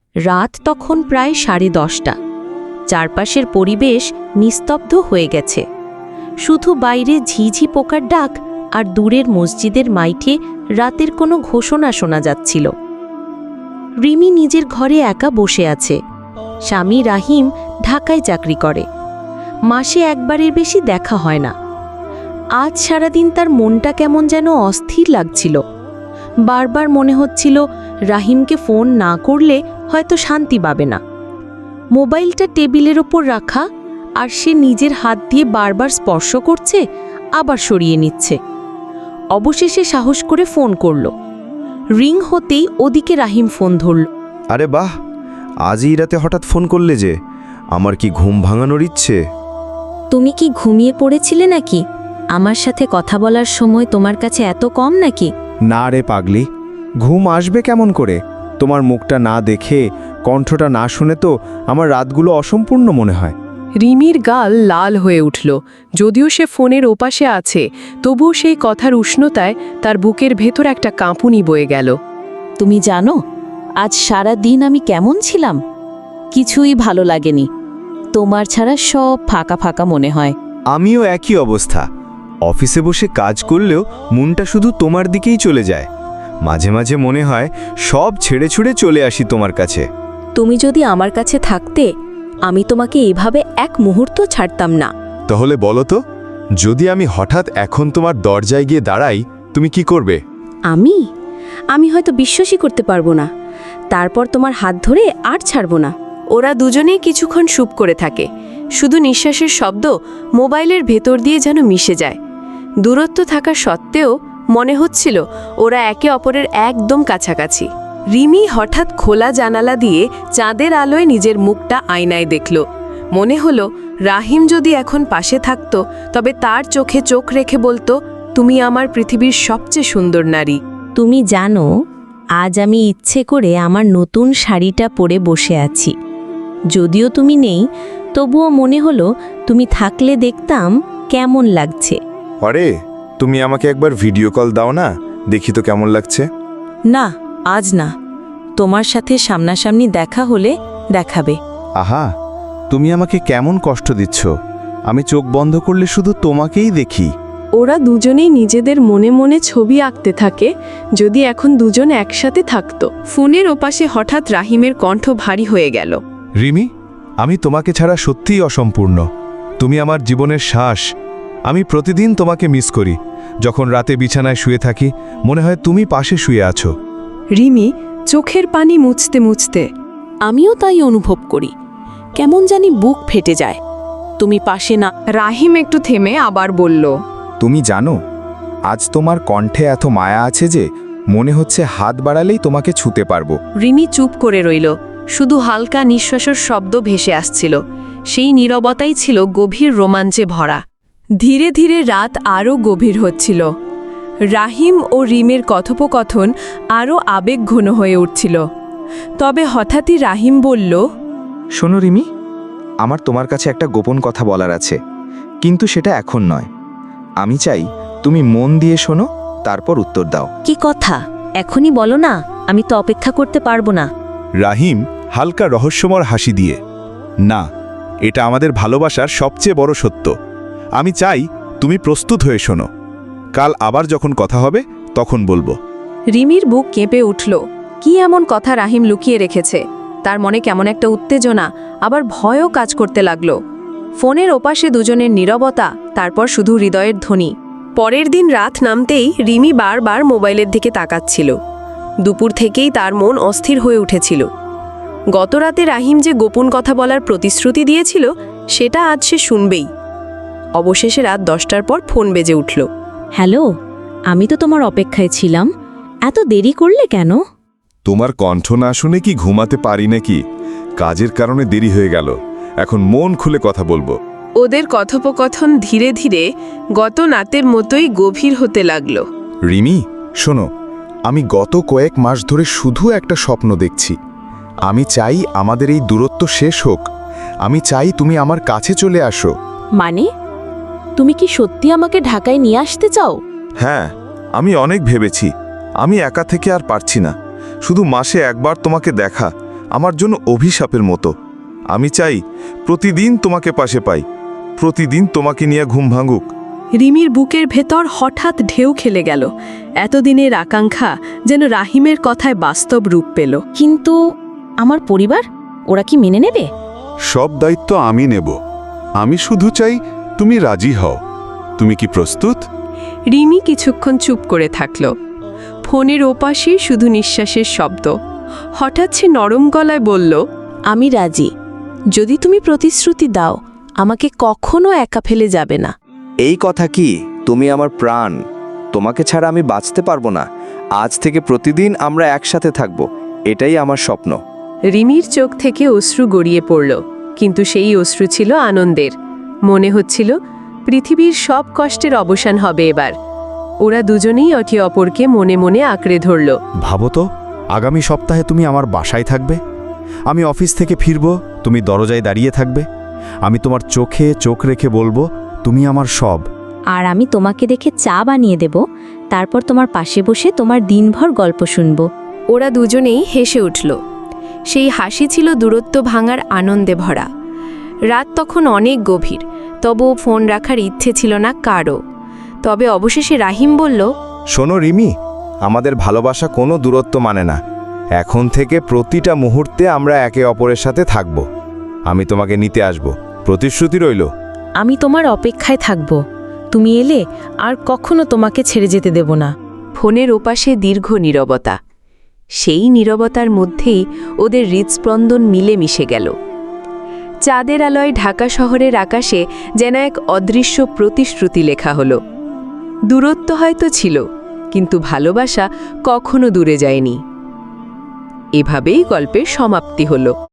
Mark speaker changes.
Speaker 1: রাত তখন প্রায় 10:30। চারপাশের পরিবেশ নিস্তব্ধ হয়ে গেছে। শুধু বাইরে ঝিঝি পোকার ডাক আর দূরের মসজিদের মাইঠে রাতের কোনো ঘোষণা শোনা যাচ্ছিল। রিমি নিজের ঘরে একা বসে আছে। স্বামী রাহিম ঢাকায় চাকরি করে, মাসে একবারের বেশি দেখা হয় না। আজ সারাদিন তার মনটা কেমন যেন অস্থির লাগছিল। বারবার মনে হচ্ছিল রাহিমকে ফোন না করলে হয়তো শান্তি পাবে না। মোবাইলটা টেবিলের ওপর রাখা, আর সে নিজের হাত দিয়ে বারবার স্পর্শ করছে, আবার সরিয়ে নিচ্ছে। অবশেষে সাহস করে ফোন করল। রিং হতেই ওদিকে রাহিম ফোন ধরল।
Speaker 2: আরে বাহ, আজ এই রাতে হঠাৎ ফোন করলে যে? আমার কি ঘুম ভাঙানোর ইচ্ছে?
Speaker 1: তুমি কি ঘুমিয়ে পড়েছিলে নাকি? আমার সাথে কথা বলার সময় তোমার কাছে এত কম নাকি?
Speaker 3: না রে পাগলি, ঘুম আসবে কেমন করে? তোমার মুখটা না দেখে, কণ্ঠটা না শুনে তো আমার রাতগুলো অসম্পূর্ণ মনে হয়।
Speaker 4: রিমির গাল লাল হয়ে উঠল। যদিও সে ফোনের ওপাশে আছে, তবুও সেই কথার উষ্ণতায় তার বুকের ভেতর একটা কাঁপুনি বয়ে গেল।
Speaker 1: তুমি জানো আজ সারা দিন আমি কেমন ছিলাম? কিছুই ভালো লাগেনি। তোমার ছাড়া সব ফাঁকা ফাঁকা মনে হয়।
Speaker 2: আমিও একই অবস্থা। অফিসে বসে কাজ করলেও মনটা শুধু তোমার দিকেই চলে যায়। মাঝে মাঝে মনে হয় সব ছেড়ে ছুড়ে চলে আসি তোমার কাছে।
Speaker 1: তুমি যদি আমার কাছে থাকতে, আমি তোমাকে এভাবে এক মুহূর্ত ছাড়তাম না।
Speaker 5: তাহলে বলো তো, যদি আমি হঠাৎ এখন তোমার দরজায় গিয়ে দাঁড়াই, তুমি কি করবে?
Speaker 1: আমি হয়তো বিশ্বাসই করতে পারবো না। তারপর তোমার হাত ধরে আর ছাড়বো না।
Speaker 4: ওরা দুজনেই কিছুক্ষণ চুপ করে থাকে। শুধু নিঃশ্বাসের শব্দ মোবাইলের ভেতর দিয়ে যেন মিশে যায়। দূরত্ব থাকা সত্ত্বেও মনে হচ্ছিল ওরা একে অপরের একদম কাছাকাছি। রিমি হঠাৎ খোলা জানালা দিয়ে চাঁদের আলোয় নিজের মুখটা আয়নায় দেখল। মনে হলো রাহিম যদি এখন পাশে থাকত, তবে তার চোখে চোখ রেখে বলতো, তুমি আমার পৃথিবীর সবচেয়ে সুন্দর নারী।
Speaker 1: তুমি জানো আজ আমি ইচ্ছে করে আমার নতুন শাড়িটা পরে বসে আছি। যদিও তুমি নেই, তবুও মনে হলো তুমি থাকলে দেখতাম কেমন লাগছে।
Speaker 5: আরে, তুমি আমাকে একবার ভিডিও কল দাও না, দেখি তো কেমন লাগছে।
Speaker 1: না, আজ না। তোমার সাথে সামনাসামনি দেখা হলে দেখাবে।
Speaker 3: আহা, তুমি আমাকে কেমন কষ্ট দিচ্ছ। আমি চোখ বন্ধ করলে শুধু তোমাকেই দেখি।
Speaker 4: ওরা দুজনেই নিজেদের মনে মনে ছবি আঁকতে থাকে, যদি এখন দুজন একসাথে থাকত। ফোনের ওপাশে হঠাৎ রাহিমের কণ্ঠ ভারী হয়ে গেল।
Speaker 5: রিমি, আমি তোমাকে ছাড়া সত্যিই অসম্পূর্ণ। তুমি আমার জীবনের শ্বাস। আমি প্রতিদিন তোমাকে মিস করি। যখন রাতে বিছানায় শুয়ে থাকি, মনে হয় তুমি পাশে শুয়ে আছো।
Speaker 4: রিমি চোখের পানি মুছতে মুছতে,
Speaker 1: আমিও তাই অনুভব করি। কেমন জানি বুক ফেটে যায় তুমি পাশে না।
Speaker 4: রাহিম একটু থেমে আবার বলল,
Speaker 3: তুমি জানো আজ তোমার কণ্ঠে এত মায়া আছে যে মনে হচ্ছে হাত বাড়ালেই তোমাকে ছুঁতে পারবো।
Speaker 4: রিমি চুপ করে রইল। শুধু হালকা নিঃশ্বাসের শব্দ ভেসে আসছিল। সেই নীরবতাই ছিল গভীর রোমাঞ্চে ভরা। ধীরে ধীরে রাত আরও গভীর হচ্ছিল। রাহিম ও রিমের কথোপকথন আরও আবেগঘন হয়ে উঠছিল। তবে হঠাৎই রাহিম বলল,
Speaker 3: শোনো রিমি, আমার তোমার কাছে একটা গোপন কথা বলার আছে, কিন্তু সেটা এখন নয়। আমি চাই তুমি মন দিয়ে শোনো, তারপর উত্তর দাও।
Speaker 1: কি কথা? এখনই বলো না, আমি তো অপেক্ষা করতে পারবো না।
Speaker 5: রাহিম হালকা রহস্যময় হাসি দিয়ে, না, এটা আমাদের ভালোবাসার সবচেয়ে বড় সত্য। আমি চাই তুমি প্রস্তুত হয়ে শোনো। কাল আবার যখন কথা হবে তখন বলবো।
Speaker 4: রিমির বুক কেঁপে উঠল। কি এমন কথা রাহিম লুকিয়ে রেখেছে? তার মনে কেমন একটা উত্তেজনা, আবার ভয়ও কাজ করতে লাগলো। ফোনের ওপাশে দুজনের নীরবতা, তারপর শুধু হৃদয়ের ধ্বনি। পরের দিন রাত নামতেই রিমি বারবার মোবাইলের দিকে তাকাচ্ছিল। দুপুর থেকেই তার মন অস্থির হয়ে উঠেছিল। গতরাতে রাহিম যে গোপন কথা বলার প্রতিশ্রুতি দিয়েছিল, সেটা আজ সে শুনবেই। অবশেষে রাত 10টার পর ফোন বেজে উঠল।
Speaker 1: হ্যালো, আমি তো তোমার অপেক্ষায় ছিলাম। এত দেরি করলে কেন?
Speaker 5: তোমার কণ্ঠ না শুনে কি ঘুমাতে পারি নাকি? কাজের কারণে দেরি হয়ে গেল। এখন মন খুলে কথা বলবো।
Speaker 4: ওদের কথোপকথন ধীরে ধীরে গত রাতের মতোই গভীর হতে লাগলো।
Speaker 3: রিমি, শোনো, আমি গত কয়েক মাস ধরে শুধু একটা স্বপ্ন দেখছি। আমি চাই আমাদের এই দূরত্ব শেষ হোক। আমি চাই তুমি আমার কাছে চলে আসো।
Speaker 1: মানে তুমি কি সত্যি আমাকে ঢাকায় নিয়ে আসতে চাও?
Speaker 5: হ্যাঁ, আমি অনেক ভেবেছি। আমি একা থেকে আর পারছি না। শুধু মাসে একবার তোমাকে দেখা
Speaker 3: আমার জন্য অভিশাপের মতো। আমি চাই প্রতিদিন তোমাকে পাশে পাই, প্রতিদিন তোমাকে নিয়ে ঘুম ভাঙুক।
Speaker 4: রিমির বুকের ভেতর হঠাৎ ঢেউ খেলে গেল। এতদিনের আকাঙ্ক্ষা যেন রাহিমের কথায় বাস্তব রূপ পেল।
Speaker 1: কিন্তু আমার পরিবার, ওরা কি মেনে নেবে?
Speaker 6: সব দায়িত্ব আমি নেব। আমি শুধু চাই তুমি রাজি হও। তুমি কি প্রস্তুত?
Speaker 4: রিমি কিছুক্ষণ চুপ করে থাকল। ফোনের ওপাশে শুধু নিঃশ্বাসের শব্দ। হঠাৎ সে নরম গলায় বলল,
Speaker 1: আমি রাজি, যদি তুমি প্রতিশ্রুতি দাও আমাকে কখনো একা ফেলে যাবে না।
Speaker 2: এই কথা কি? তুমি আমার প্রাণ, তোমাকে ছাড়া আমি বাঁচতে পারবো না। আজ থেকে প্রতিদিন আমরা একসাথে থাকব, এটাই আমার স্বপ্ন।
Speaker 4: রিমির চোখ থেকে অশ্রু গড়িয়ে পড়ল, কিন্তু সেই অশ্রু ছিল আনন্দের। মনে হচ্ছিল পৃথিবীর সব কষ্টের অবসান হবে এবার। ওরা দুজনেই একে অপরকে মনে মনে আঁকড়ে ধরল।
Speaker 5: ভাবো তো, আগামী সপ্তাহে তুমি আমার বাসায় থাকবে। আমি অফিস থেকে ফিরব, তুমি দরজায় দাঁড়িয়ে থাকবে। আমি তোমার চোখে চোখ রেখে বলবো, তুমি আমার সব।
Speaker 7: আর আমি তোমাকে দেখে চা বানিয়ে দেব, তারপর তোমার পাশে বসে তোমার দিনভর গল্প শুনব।
Speaker 4: ওরা দুজনেই হেসে উঠল। সেই হাসি ছিল দূরত্ব ভাঙার আনন্দে ভরা। রাত তখন অনেক গভীর, তবুও ফোন রাখার ইচ্ছে ছিল না কারও। তবে অবশেষে রাহিম বলল,
Speaker 2: শোনো রিমি, আমাদের ভালোবাসা কোনো দূরত্ব মানে না। এখন থেকে প্রতিটা মুহূর্তে আমরা একে অপরের সাথে থাকব। আমি তোমাকে নিতে আসব, প্রতিশ্রুতি রইল।
Speaker 1: আমি তোমার অপেক্ষায় থাকব, তুমি এলে আর কখনো তোমাকে ছেড়ে যেতে দেব না।
Speaker 4: ফোনের ওপাশে দীর্ঘ নীরবতা। সেই নীরবতার মধ্যেই ওদের হৃদস্পন্দন মিলে মিশে গেল। চাঁদের আলোয় ঢাকা শহরের আকাশে যেন এক অদৃশ্য প্রতিশ্রুতি লেখা হলো। দূরত্ব হয়তো ছিল, কিন্তু ভালোবাসা কখনো দূরে যায়নি। এভাবেই গল্পের সমাপ্তি হলো।